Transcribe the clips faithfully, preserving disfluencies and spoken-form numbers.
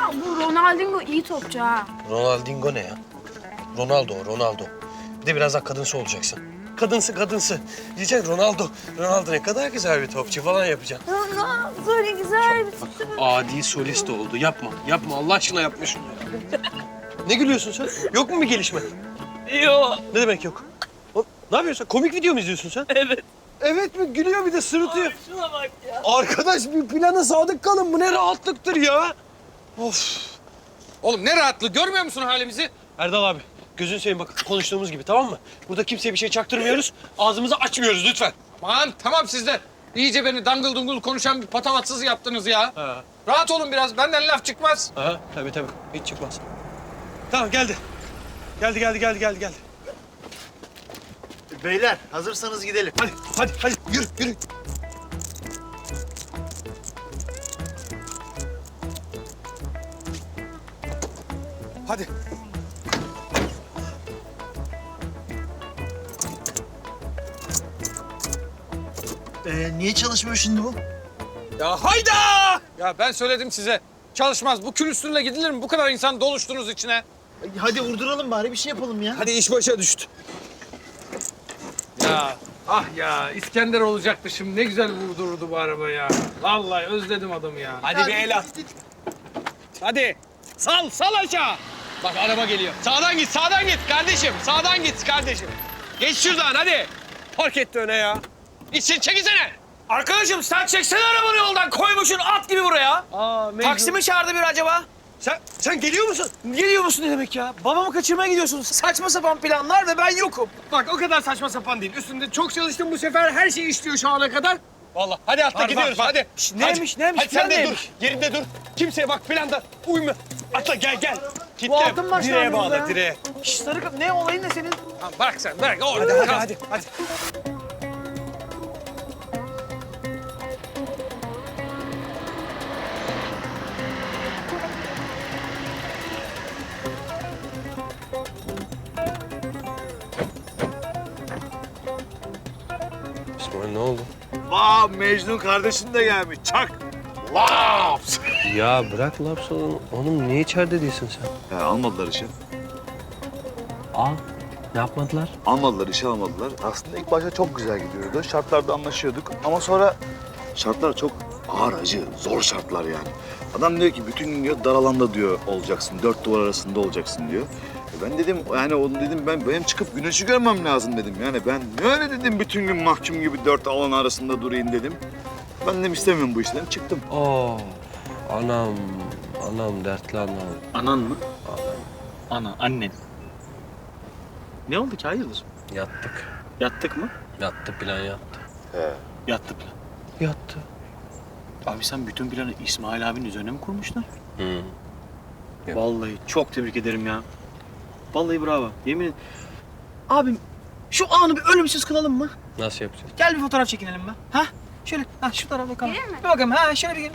Ama bu Ronaldinho iyi topçu ha. Ronaldinho ne ya? Ronaldo, Ronaldo. Bir de biraz daha kadınsı olacaksın. Kadınsı, kadınsı. Diyeceksin Ronaldo. Ronaldo ne kadar güzel bir topçu falan yapacaksın. Ronaldo ne güzel bir topçu. Adi solist oldu. Yapma, yapma. Allah aşkına yapma şunu. Ne gülüyorsun sen? Yok mu bir gelişme? Yok. Ne demek yok? Oğlum, ne yapıyorsun? Komik video mu izliyorsun sen? Evet. Evet mi? Gülüyor bir de sırıtıyor. Abi şuna bak ya. Arkadaş bir plana sadık kalın. Bu ne rahatlıktır ya. Of. Oğlum ne rahatlığı, görmüyor musun halimizi? Erdal abi, gözünü seveyim bak konuştuğumuz gibi tamam mı? Burada kimseye bir şey çaktırmıyoruz. Ağzımızı açmıyoruz lütfen. Aman tamam siz de. İyice beni dangıl dungul konuşan bir patavatsız yaptınız ya. Ha. Rahat olun biraz, benden laf çıkmaz. Aha, tabii tabii. Hiç çıkmaz. Tamam geldi. Geldi, geldi, geldi, geldi, geldi. Beyler hazırsanız gidelim. Hadi, hadi, hadi. Yürü, yürü. Hadi. Ee, niye çalışmıyor şimdi bu? Ya hayda! Ya ben söyledim size. Çalışmaz. Bu kül üstünde gidilir mi? Bu kadar insan doluştunuz içine. Hadi vurduralım bari bir şey yapalım ya. Hadi iş başa düştü. Ya ah ya İskender olacaktı şimdi. Ne güzel vurdururdu bu araba ya. Vallahi özledim adamı ya. Hadi bir el at. Hadi. Sal, sal aşağı. Bak araba geliyor. Sağdan git, sağdan git kardeşim. Sağdan git kardeşim. Geç şuradan hadi. Park etti öne ya. İçin çekilsene. Arkadaşım sen çeksene arabanı yoldan. Koymuşsun at gibi buraya. Aa, Taksi mi çağırdı bir acaba? Sen, sen geliyor musun? Geliyor musun ne demek ya? Babamı kaçırmaya gidiyorsun. Saçma sapan planlar ve ben yokum. Bak o kadar saçma sapan değil. Üstünde çok çalıştım bu sefer. Her şey işliyor şu ana kadar. Vallahi hadi atla Var, gidiyoruz var, var. hadi. Şş, neymiş, Hadi. neymiş, Hadi sen plan de neymiş? dur. Yerinde dur. Kimseye bak planda uyma. Atla gel gel. Kitle. Bu altın başlar Direğe burada bağla, ya. direğe. Şş, sarı kapı ne olayın ne senin? Tamam, bırak sen bırak. Orada Hadi, hadi, hadi, hadi. İsmail ne oldu? Vaa Mecnun kardeşin de gelmiş. Çak. Laps. Ya bırak laps oğlum. Oğlum niye içeride değilsin sen? Ya almadılar işe. Al. Ne yapmadılar? Almadılar, işe almadılar. Aslında ilk başta çok güzel gidiyordu. Şartlarda anlaşıyorduk. Ama sonra şartlar çok ağır, acı, zor şartlar yani. Adam diyor ki bütün gün diyor dar alanda diyor olacaksın. Dört duvar arasında olacaksın diyor. E ben dedim yani onu dedim ben benim çıkıp güneşi görmem lazım dedim. Yani ben ne öyle dedim bütün gün mahkum gibi dört alan arasında durayım dedim. Ben dedim istemiyorum bu işten çıktım. Oo. Anam. Anam dertli anam. Anan mı? Ana, annen. Ne oldu ki hayırdır? Yattık. Yattık mı? Yattı plan yattı. Yattı plan. Yattı. Abi sen bütün planı İsmail abinin üzerine mi kurmuştun? Hı. Evet. Vallahi çok tebrik ederim ya. Vallahi bravo. Yemin ederim. Abim şu anı bir ölümsüz kılalım mı? Nasıl yapacağız? Gel bir fotoğraf çekinelim mi? Ha? Şöyle ha şu tarafa bakalım. Gelir mi? Bir bakalım ha şöyle bir gelin.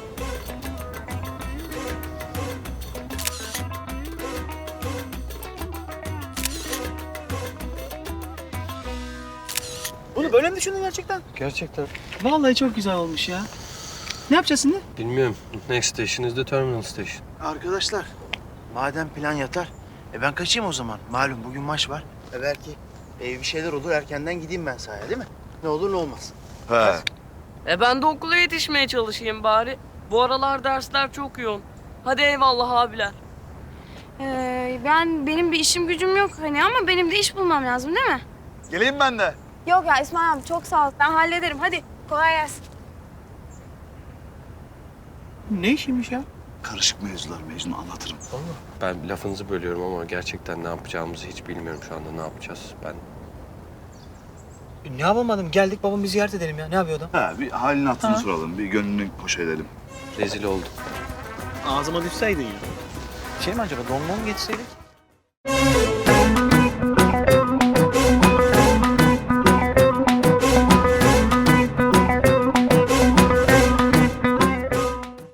Bunu böyle mi düşündün gerçekten? Gerçekten. Vallahi çok güzel olmuş ya. Ne yapacağız şimdi? Bilmiyorum. Next station is the terminal station. Arkadaşlar madem plan yatar. E ben kaçayım o zaman. Malum bugün maç var. E belki e, bir şeyler olur erkenden gideyim ben sahaya değil mi? Ne olur ne olmaz. He. E ben de okula yetişmeye çalışayım bari. Bu aralar dersler çok yoğun. Hadi eyvallah abiler. Ee, ben benim bir işim gücüm yok hani ama benim de iş bulmam lazım değil mi? Geleyim ben de. Yok ya İsmail abi çok sağ ol. Ben hallederim. Hadi kolay gelsin. Ne işiymiş ya? Karışık mevzular Mecnun anlatırım. Ben lafınızı bölüyorum ama gerçekten ne yapacağımızı hiç bilmiyorum şu anda. Ne yapacağız? Ben E, ne yapamadım? Geldik babamı ziyaret edelim ya. Ne yapıyor adam? Ha bir halini hatırını Ha. soralım. Bir gönlünü hoş edelim. rezil oldum. Ağzıma düşseydin ya. Şey mi acaba? Don don mu getirseydik?